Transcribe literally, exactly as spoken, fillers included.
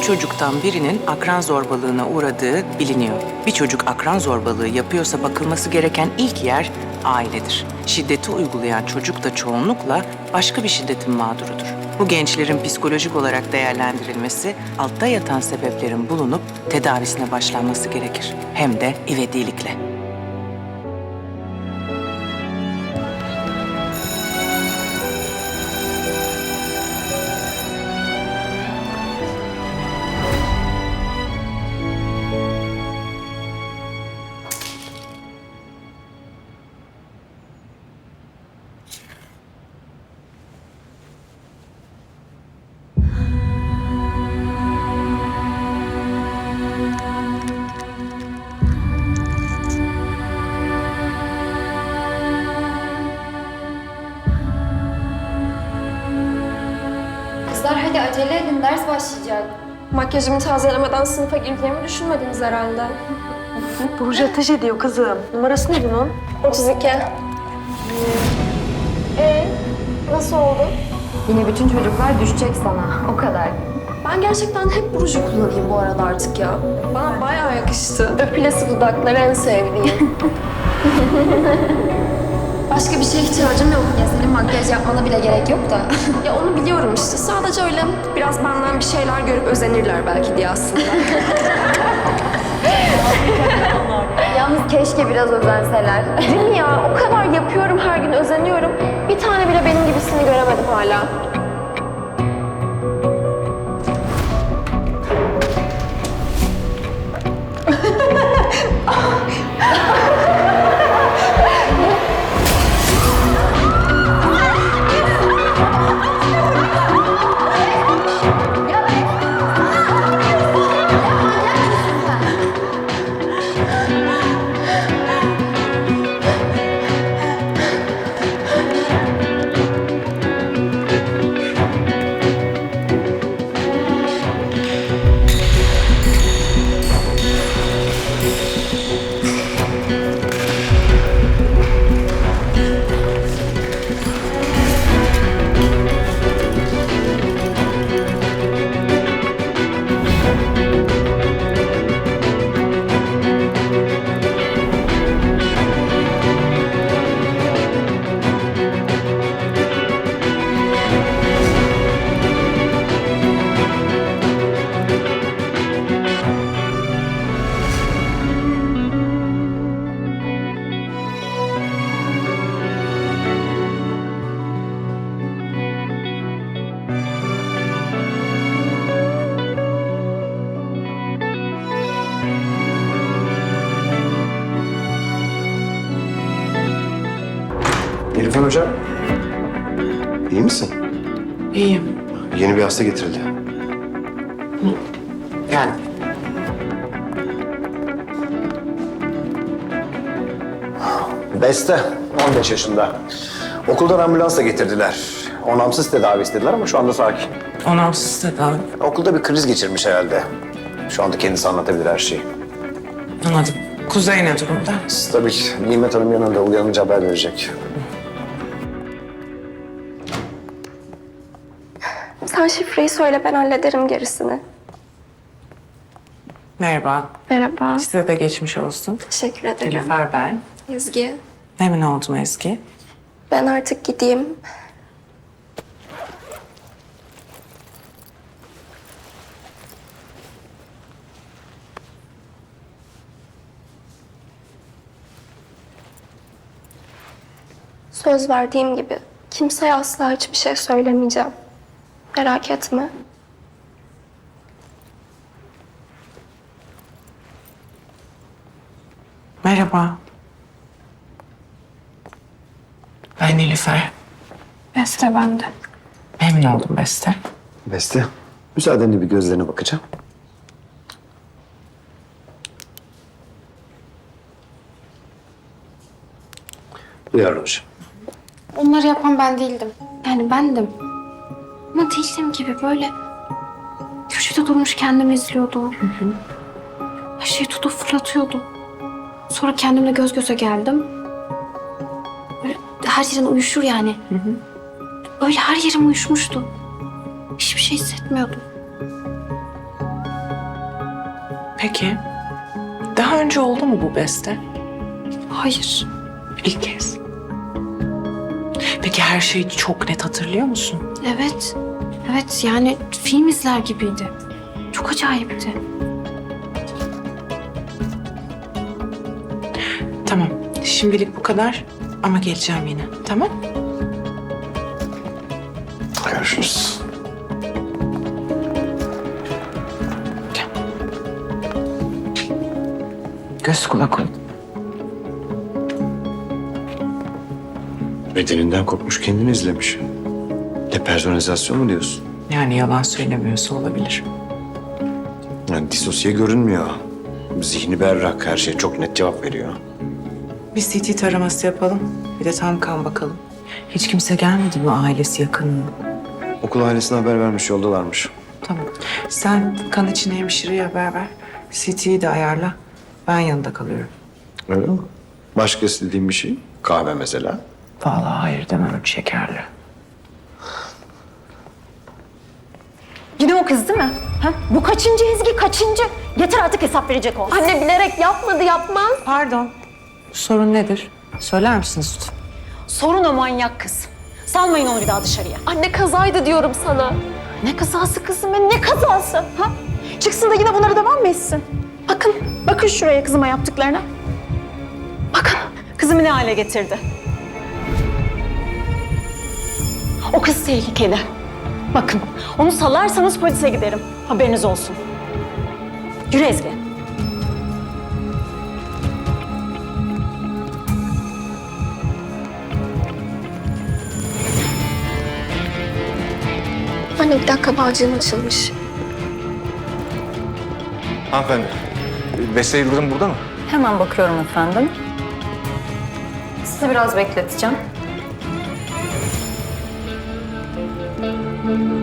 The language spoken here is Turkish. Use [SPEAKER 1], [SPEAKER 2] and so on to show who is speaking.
[SPEAKER 1] çocuktan birinin akran zorbalığına uğradığı biliniyor. Bir çocuk akran zorbalığı yapıyorsa bakılması gereken ilk yer ailedir. Şiddeti uygulayan çocuk da çoğunlukla başka bir şiddetin mağdurudur. Bu gençlerin psikolojik olarak değerlendirilmesi, altta yatan sebeplerin bulunup tedavisine başlanması gerekir. Hem de ivedilikle.
[SPEAKER 2] Kızlar hadi acele edin, ders başlayacak.
[SPEAKER 3] Makyajımı tazelemeden sınıfa gireceğimi düşünmediniz herhalde.
[SPEAKER 4] Burcu ateş ediyor kızım. Numarası ne bunun?
[SPEAKER 3] otuz iki. Ee, nasıl oldu?
[SPEAKER 2] Yine bütün çocuklar düşecek sana, o kadar.
[SPEAKER 3] Ben gerçekten hep ruju kullanayım bu arada artık ya. Bana bayağı yakıştı. Öpülesi dudakları en sevdiğim.
[SPEAKER 2] Başka bir şeye ihtiyacım yok. Ya senin makyaj yapmana bile gerek yok da.
[SPEAKER 3] Ya onu biliyorum işte. Sadece öyle biraz benden bir şeyler görüp özenirler belki diye aslında.
[SPEAKER 2] Yalnız keşke biraz özenseler.
[SPEAKER 3] Değil mi ya? O kadar yapıyorum, her gün özeniyorum. Bir tane bile benim gibisini göremedim hala.
[SPEAKER 5] Nilüfer Hocam, iyi misin?
[SPEAKER 1] İyiyim.
[SPEAKER 5] Yeni bir hasta getirildi.
[SPEAKER 1] Yani
[SPEAKER 5] Beste, on beş yaşında. Okuldan ambulansla getirdiler. Onamsız tedavi istediler ama şu anda sakin.
[SPEAKER 1] onamsız tedavi.
[SPEAKER 5] Okulda bir kriz geçirmiş herhalde. Şu anda kendisi anlatabilir her şeyi.
[SPEAKER 1] Anladım. Kuzey ne durumda?
[SPEAKER 5] Stabil. Nimet Hanım yanında, uyanınca haber verecek.
[SPEAKER 3] Sen şifreyi söyle, ben hallederim gerisini.
[SPEAKER 1] Merhaba.
[SPEAKER 3] Merhaba.
[SPEAKER 1] Size de geçmiş olsun.
[SPEAKER 3] Teşekkür ederim.
[SPEAKER 1] Nilüfer ben.
[SPEAKER 3] Ezgi,
[SPEAKER 1] Memnun oldum Ezgi.
[SPEAKER 3] ben artık gideyim. Söz verdiğim gibi kimseye asla hiçbir şey söylemeyeceğim. Merak etme.
[SPEAKER 1] Merhaba. Ben Nilüfer.
[SPEAKER 3] Beste bende.
[SPEAKER 1] Memnun oldum Beste.
[SPEAKER 5] Beste, müsaadenle bir gözlerine bakacağım. Duyarlı hocam.
[SPEAKER 6] Onları yapan ben değildim. Yani bendim. Ama değildim gibi böyle köşede durmuş kendimi izliyordum. Hı hı. Her şeyi tutup fırlatıyordum. Sonra kendimle göz göze geldim. Böyle her yerin uyuşur yani. Hı hı. Öyle her yerim uyuşmuştu. Hiçbir şey hissetmiyordum.
[SPEAKER 1] Peki, daha önce oldu mu bu beste?
[SPEAKER 6] Hayır.
[SPEAKER 1] İlk kez. Peki her şeyi çok net hatırlıyor musun?
[SPEAKER 6] Evet. Evet yani film izler gibiydi. Çok acayipti.
[SPEAKER 1] Tamam, şimdilik bu kadar ama geleceğim yine, tamam?
[SPEAKER 5] Görüşürüz.
[SPEAKER 1] Göz kulak ol.
[SPEAKER 5] Bedeninden kopmuş kendini izlemiş. Depersonalizasyon mu diyorsun?
[SPEAKER 1] Yani yalan söylemiyorsa olabilir.
[SPEAKER 5] Yani disosiye görünmüyor. Zihni berrak, her şeye çok net cevap veriyor.
[SPEAKER 1] Bir C T taraması yapalım, bir de tam kan bakalım. Hiç kimse gelmedi mi ailesi yakını?
[SPEAKER 5] Okul ailesine haber vermiş, yoldalarmış.
[SPEAKER 1] Tamam. Sen kan için hemşireye haber ver. C T'yi de ayarla. Ben yanında kalıyorum.
[SPEAKER 5] Öyle mi? Başka istediğin bir şey? Kahve mesela.
[SPEAKER 1] Vallahi hayır demem, şekerli.
[SPEAKER 4] Yine o kız değil mi? Ha? Bu kaçıncı Ezgi, kaçıncı? Yeter artık hesap verecek ol.
[SPEAKER 3] Anne bilerek yapmadı, yapmaz.
[SPEAKER 1] Pardon. Sorun nedir? Söyler misiniz lütfen?
[SPEAKER 4] Sorun o manyak kız. Salmayın onu bir daha dışarıya.
[SPEAKER 3] Anne kazaydı diyorum sana.
[SPEAKER 4] Ne kazası kızım ya, ne kazası? Ha? Çıksın da yine bunlara devam mı etsin? Bakın, bakın şuraya kızıma yaptıklarına. Bakın, kızımı ne hale getirdi. O kız tehlikeli. Bakın, onu salarsanız polise giderim. Haberiniz olsun. Yürü Ezgi.
[SPEAKER 3] Anne bir dakika, bağcığım açılmış.
[SPEAKER 7] Hanımefendi, Beste Yıldırım burada mı?
[SPEAKER 4] Hemen bakıyorum efendim. Sizi biraz bekleteceğim.